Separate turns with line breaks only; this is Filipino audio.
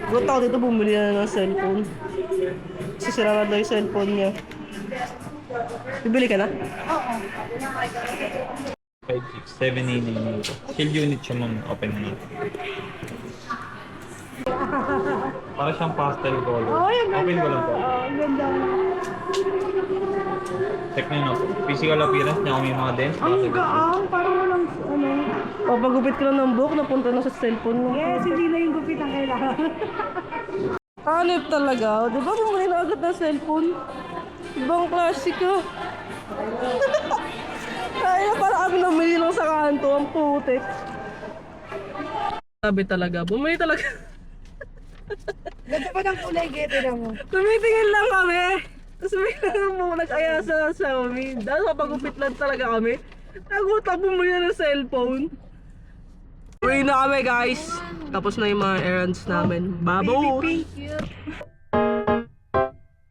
Gusto ako dito bumili na ng cellphone. Sisira na daw yung cellphone niya. Bibili ka na?
5, 6, 7, 8, 9. Shield unit siya ma'am. Open na natin. Para siyang pastel color. Open ko lang po.
Ganda.
Check nyo na po. Physical appearance niya kung may mga dents.
Ang gaang, parang walang ano.
O, pagupit ko lang ng buhok, napunta na sa cellphone mo.
Yes, hindi na yung gupit ang kailangan.
Hanip talaga. O, di ba bumili na agad ng cellphone? Ibang klase ka. Kaya parang kami namili lang sa kanto. Ang putik. Sabi talaga. Bumili talaga.
Ganda pa ng kulay, gete na mo.
Tumitingin lang kami. Tapos may nag-aya sa Xiaomi. Dahil kapagupit lang talaga kami. Nagutak bumili na ng cellphone. Uwi na kami guys. Tapos na yung mga errands namin. Babo!
Baby pink, cute.